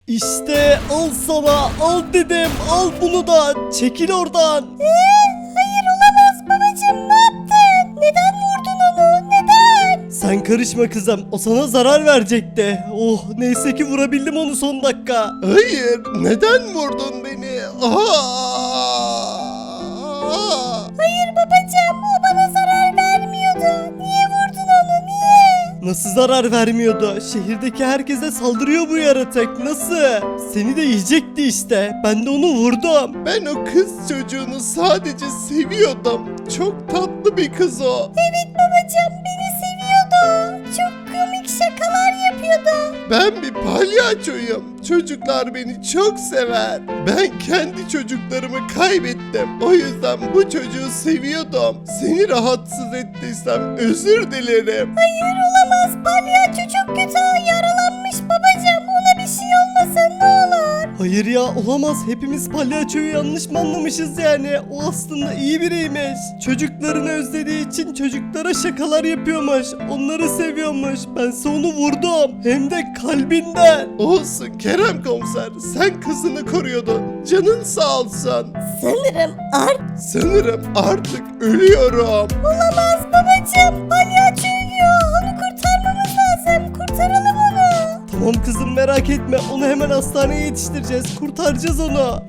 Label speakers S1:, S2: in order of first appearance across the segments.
S1: İşte al sana, al dedim, al bunu da, çekil oradan.
S2: Hayır olamaz babacığım, ne yaptın? Neden vurdun onu? Neden?
S1: Sen karışma kızım, o sana zarar verecekti. Oh, neyse ki vurabildim onu son dakika.
S3: Hayır, neden vurdun beni?
S2: Hayır babacığım, o bana zarar vermiyordu. Niye vurdun onu? Niye?
S1: Nasıl zarar vermiyordu? Şehirdeki herkese saldırıyor bu yaratık. Nasıl? Seni de yiyecekti işte. Ben de onu vurdum.
S3: Ben o kız çocuğunu sadece seviyordum. Çok tatlı bir kız o.
S2: Evet babacığım, beni seviyordu. Çok komik şakalar yapıyordu.
S3: Ben bir palyaçoyum. Çocuklar beni çok sever. Ben kendi çocuklarımı kaybettim. O yüzden bu çocuğu seviyordum. Seni rahatsız ettiysem özür dilerim.
S2: Hayır olamaz, palyaço çok kötü yaralanmış babacığım. Ona bir şey olmasın ne olur.
S1: Hayır ya, olamaz. Hepimiz palyaçoyu yanlış mı anlamışız yani? O aslında iyi biriymiş. Çocuklarını özlediği için çocuklara şakalar yapıyormuş. Onları seviyormuş. Bense onu vurdum. Hem de kalbinden.
S3: Olsun Kerem komiser. Sen kızını koruyordun. Canın sağ olsun.
S2: Sanırım
S3: Sanırım artık ölüyorum.
S2: olamaz babacığım. Palyaço ölüyor. Onu kurtarmamız lazım. Kurtaralım onu.
S1: Tamam kızım, merak etme. Onu hemen hastaneye yetiştireceğiz. Kurtaracağız onu.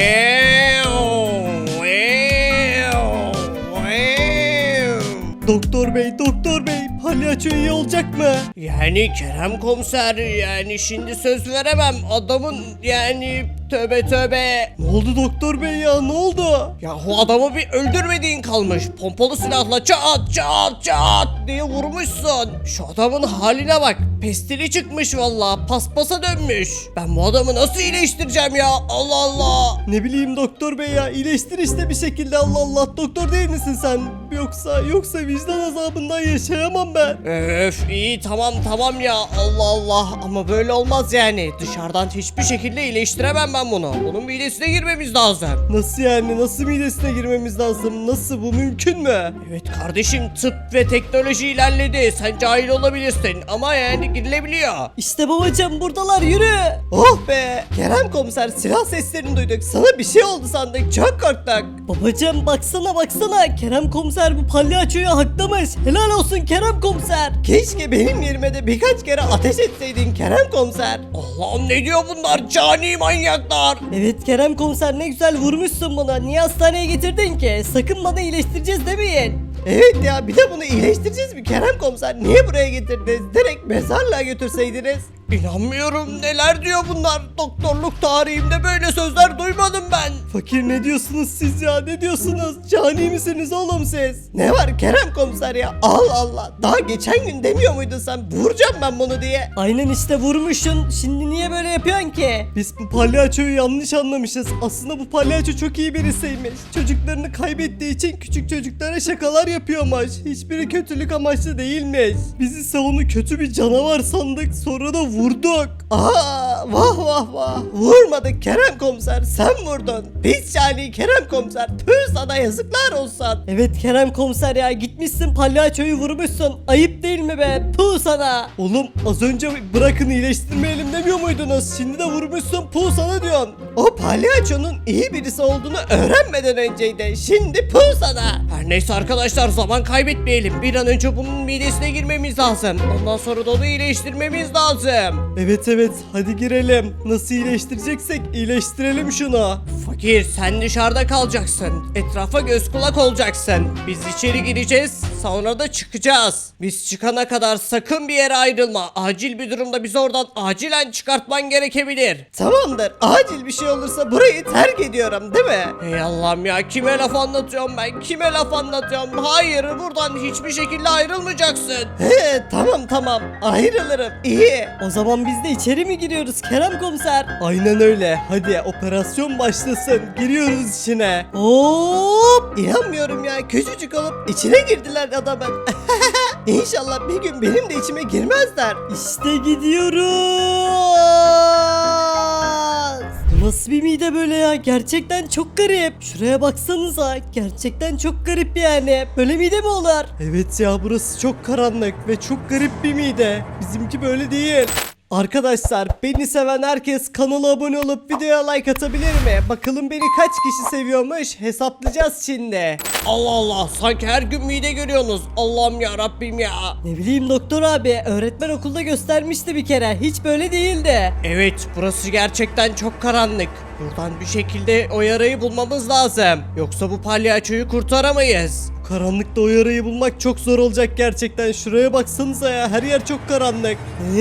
S1: Doktor bey, palyaço iyi olacak mı?
S4: Yani Kerem komiser, yani şimdi söz veremem adamın, yani tövbe tövbe.
S1: Ne oldu doktor bey ya, ne oldu?
S4: Yahu adamı bir öldürmediğin kalmış. Pompalı silahla çat çat çat diye vurmuşsun. Şu adamın haline bak. Pestili çıkmış valla. Paspasa dönmüş. Ben bu adamı nasıl iyileştireceğim ya? Allah Allah.
S1: Ne bileyim doktor bey ya, iyileştir işte bir şekilde, Allah Allah. Doktor değil misin sen? Yoksa vicdan azabından yaşayamam ben.
S4: Öf iyi tamam ya, Allah Allah, ama böyle olmaz yani. Dışarıdan hiçbir şekilde iyileştiremem ben bunu. Bunun midesine girmemiz lazım.
S1: Nasıl yani, nasıl midesine girmemiz lazım? Nasıl, bu mümkün mü?
S4: Evet kardeşim, tıp ve teknoloji ilerledi. Sen cahil olabilirsin ama yani girilebiliyor.
S1: İşte babacığım buradalar, yürü. Oh be, Kerem komiser, silah seslerini duyduk. Sana bir şey oldu sandık, çok korktuk. Babacığım baksana, Kerem komiser bu palyaçoyu haklamış. Helal olsun Kerem komiser. Keşke benim yerime de birkaç kere ateş etseydin Kerem komiser.
S4: Allah'ım, ne diyor bunlar, cani manyaklar.
S1: Evet Kerem komiser, ne güzel vurmuşsun bana. Niye hastaneye getirdin ki? Sakın bana iyileştireceğiz demeyin. Evet ya, bir de bunu iyileştireceğiz mi Kerem komiser? Niye buraya getirdiniz? Direkt mezarlığa götürseydiniz.
S4: İnanmıyorum, neler diyor bunlar. Doktorluk tarihimde böyle sözler duymadım ben.
S1: Fakir, ne diyorsunuz siz ya, ne diyorsunuz? Cani misiniz oğlum siz? Ne var Kerem komiser ya, Allah Allah. Daha geçen gün demiyor muydun sen, vuracağım ben bunu diye? Aynen işte, vurmuşsun. Şimdi niye böyle yapıyorsun ki? Biz bu palyaçoyu yanlış anlamışız. Aslında bu palyaço çok iyi birisiymiş. Çocuklarını kaybettiği için küçük çocuklara şakalar yapıyormuş. Hiçbiri kötülük amaçlı değilmiş. Bizi ise onu kötü bir canavar sandık, sonra da vurduk. Aa, vah. Vurmadık Kerem komiser, sen vurdun. Pis cani Kerem komiser. Tüh, sana yazıklar olsun. Evet Kerem komiser ya, gitmişsin palyaçoyu vurmuşsun. Ayıp değil mi be? Puh sana. Oğlum, az önce bırakın iyileştirmeyelim demiyor muydunuz? Şimdi de vurmuşsun, puh sana diyorsun. O palyaçonun iyi birisi olduğunu öğrenmeden önceydi. Şimdi puh sana.
S4: Her neyse arkadaşlar, zaman kaybetmeyelim. Bir an önce bunun midesine girmemiz lazım. Ondan sonra da onu iyileştirmemiz lazım.
S1: Evet, hadi girelim. Nasıl iyileştireceksek iyileştirelim şunu.
S4: Fakir, sen dışarıda kalacaksın. Etrafa göz kulak olacaksın. Biz içeri gireceğiz, sonra da çıkacağız. Biz çıkana kadar sakın bir yere ayrılma. Acil bir durumda bizi oradan acilen çıkartman gerekebilir.
S1: Tamamdır. Acil bir şey olursa burayı terk ediyorum, değil mi?
S4: Ey Allah'ım ya, kime laf anlatıyorum ben? Kime laf anlatıyorum? Hayır, buradan hiçbir şekilde ayrılmayacaksın.
S1: He, tamam. Ayrılırım. İyi. O zaman biz de içeri mi giriyoruz Kerem komiser? Aynen öyle. Hadi operasyon başlasın. Giriyoruz içine. Hop! İnanmıyorum ya. Küçücük olup içine girdiler adamın. İnşallah bir gün benim de içime girmezler. İşte gidiyoruz. Bu nasıl bir mide böyle ya? Gerçekten çok garip. Şuraya baksanıza. Gerçekten çok garip yani. Böyle mide mi olur? Evet ya, burası çok karanlık ve çok garip bir mide. Bizimki böyle değil. Arkadaşlar beni seven herkes kanala abone olup videoya like atabilir mi? Bakalım beni kaç kişi seviyormuş, hesaplayacağız şimdi.
S4: Allah Allah, sanki her gün mide görüyorsunuz. Allah'ım ya Rabbim ya.
S1: Ne bileyim doktor abi, öğretmen okulda göstermişti bir kere, hiç böyle değildi.
S4: Evet, burası gerçekten çok karanlık. Buradan bir şekilde o yarayı bulmamız lazım. Yoksa bu palyaçoyu kurtaramayız.
S1: Karanlıkta o yarayı bulmak çok zor olacak gerçekten. Şuraya baksanıza ya, her yer çok karanlık.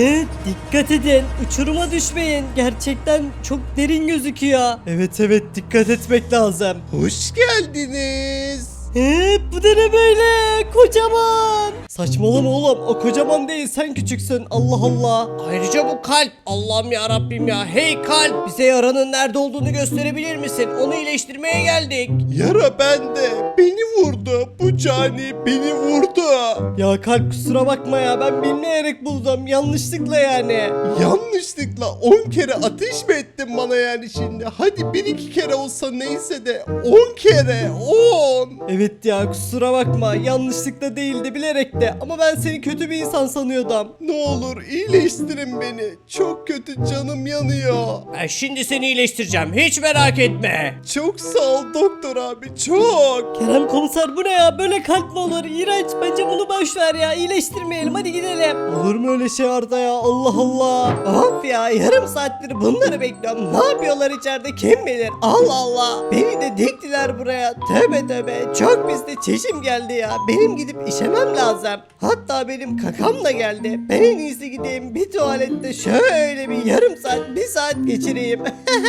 S1: Dikkat edin, uçuruma düşmeyin. Gerçekten çok derin gözüküyor. Evet dikkat etmek lazım.
S3: Hoş geldiniz.
S1: Bu da ne böyle? Kocaman. Saçmalama oğlum, o kocaman değil, sen küçüksün. Allah Allah.
S4: Ayrıca bu kalp. Allah'ım ya Rabbim ya. Hey kalp, bize yaranın nerede olduğunu gösterebilir misin? Onu iyileştirmeye geldik.
S3: Yara bende. Beni vurdu. Bu cani beni vurdu.
S1: Ya kalp, kusura bakma ya, ben bilmeyerek buldum, yanlışlıkla yani.
S3: Yanlışlıkla 10 kere ateş mi ettin bana yani şimdi? Hadi 1-2 kere olsa neyse de 10 kere 10.
S1: Evet ya, kusura bakma, yanlışlıkla değildi, bilerek de, ama ben seni kötü bir insan sanıyordum.
S3: Ne olur iyileştirin beni. Çok kötü, canım yanıyor.
S4: Ben şimdi seni iyileştireceğim. Hiç merak etme.
S3: Çok sağ ol doktor abi, çok.
S1: Kerem komiser, bu ne ya, böyle kalp mi olur? İğrenç, bence bunu boş ver ya, iyileştirmeyelim, hadi gidelim. Olur mu öyle şey Arda ya, Allah Allah. Of ya, yarım saattir bunları bekliyorum, ne yapıyorlar içeride kim bilir. Allah Allah, beni de diktiler buraya, tövbe tövbe, çok pis de çişim geldi ya, benim gidip işemem lazım. Hatta benim kakam da geldi, ben en iyisi gideyim bir tuvalette şöyle bir yarım saat, bir saat geçireyim.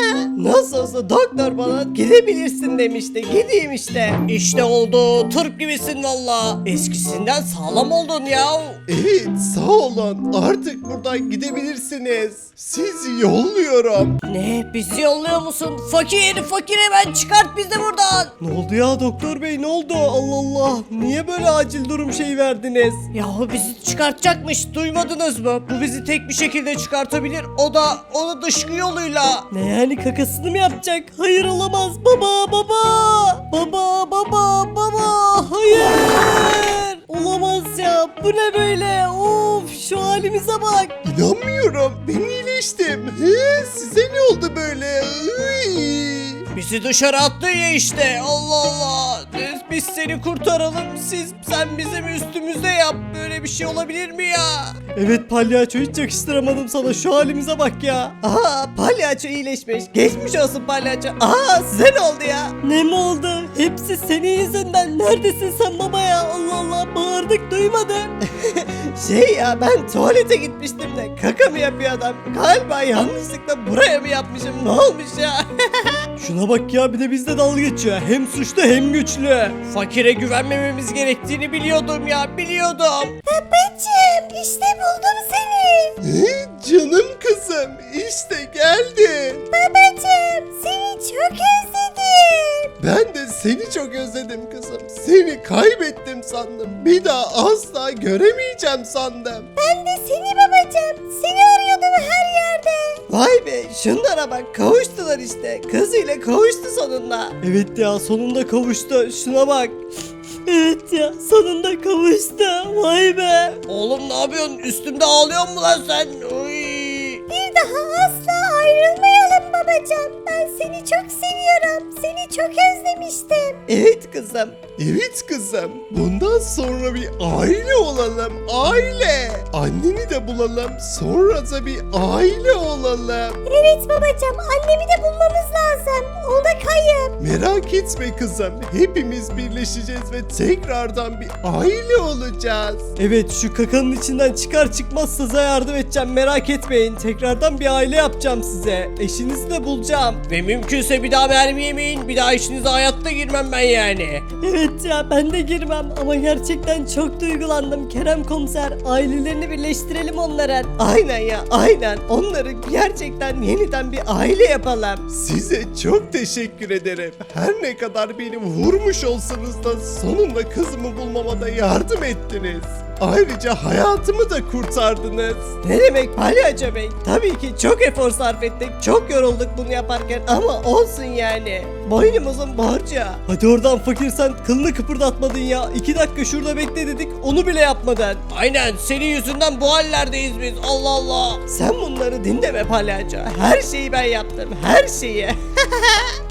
S1: Nasıl olsa doktor bana gidebilirsin demişti, gideyim işte.
S4: İşte oldu. Turp gibisin valla. Eskisinden sağlam oldun ya.
S3: Evet, sağ olun. Artık buradan gidebilirsiniz. Sizi yolluyorum.
S4: Ne? Bizi yolluyor musun? Fakir hemen çıkart bizi buradan.
S1: Ne oldu ya doktor bey, ne oldu? Allah Allah, niye böyle acil durum şey verdiniz?
S4: Yahu bizi çıkartacakmış. Duymadınız mı? Bu bizi tek bir şekilde çıkartabilir. O da onu dışkı yoluyla.
S1: Ne yani, kakasını mı yapacak? Hayır, olamaz. Baba, hayır. Olamaz ya, bu ne böyle? Of, şu halimize bak.
S3: İnanmıyorum. Ben iyileştim. Size ne oldu böyle?
S4: Bizi dışarı attın ya işte. Allah Allah. Biz seni kurtaralım. Sen bizim üstümüzde yap. Böyle bir şey olabilir mi ya?
S1: Evet palyaço, hiç yakıştıramadım sana, şu halimize bak ya.
S5: Aa, palyaço iyileşmiş. Geçmiş olsun palyaço. Aa, size ne oldu ya?
S1: Ne mi oldu? Hepsi senin yüzünden. Neredesin sen baba ya? Allah Allah, bağırdık, duymadın.
S5: Şey ya, ben tuvalete gitmiştim de kaka mı yapıyor adam? Galiba yanlışlıkla buraya mı yapmışım? Ne olmuş ya?
S1: Şuna bak ya, bir de bizle dalga geçiyor. Hem suçlu hem güçlü.
S4: Fakire güvenmememiz gerektiğini biliyordum ya. Biliyordum.
S2: Babacım işte buldum seni.
S3: Canım kızım, işte geldin.
S2: Babacım seni çok özledim.
S3: Ben de seni çok özledim kızım. Seni kaybettim sandım. Bir daha asla göremeyeceğim sandım.
S2: Ben de seni babacım. Seni arıyordum her yerde.
S5: Vay be, şunlara bak, kavuştular işte. Kızıyla kavuştu sonunda.
S1: Evet ya, sonunda kavuştu. Şuna bak. Evet ya, sonunda kavuştu. Vay be.
S4: Oğlum ne yapıyorsun? Üstümde ağlıyor mu lan sen? Uy.
S2: Bir daha asla ayrılmayalım babacım. Ben seni çok seviyorum. Seni çok özlemiştim.
S5: Evet kızım.
S3: Evet kızım. Bundan sonra bir aile olalım. Aile. Anneni de bulalım. Sonra da bir aile olalım.
S2: Evet babacım annemi de bulmamız lazım. O da kayıp.
S3: Merak etme kızım. Hepimiz birleşeceğiz ve tekrardan bir aile olacağız.
S1: Evet, şu kakanın içinden çıkar çıkmaz size yardım edeceğim, merak etmeyin. Tekrardan bir aile yapacağım size. Eşinizi de bulacağım.
S4: Ve mümkünse bir daha mermi yemeyin. Bir daha işinize hayatta girmem ben yani.
S1: Evet ya, ben de girmem ama gerçekten çok duygulandım Kerem komiser. Ailelerini birleştirelim onların.
S5: Aynen ya, aynen. Onları gerçekten yeniden bir aile yapalım.
S3: Size çok teşekkür ederim. Her ne kadar beni vurmuş olsanız da sonunda kızımı bulmama da yardım ettiniz. Ayrıca hayatımı da kurtardınız.
S1: Ne demek palyaço bey? Tabii ki çok efor sarf ettik, çok yorulduk bunu yaparken ama olsun yani. Boynumuzun borcu. Hadi oradan fakir, sen kılını kıpırdatmadın ya. 2 dakika şurada bekle dedik, onu bile yapmadın.
S4: Aynen, senin yüzünden bu hallerdeyiz biz. Allah Allah.
S1: Sen bunları dinleme palyaço. Her şeyi ben yaptım, her şeyi.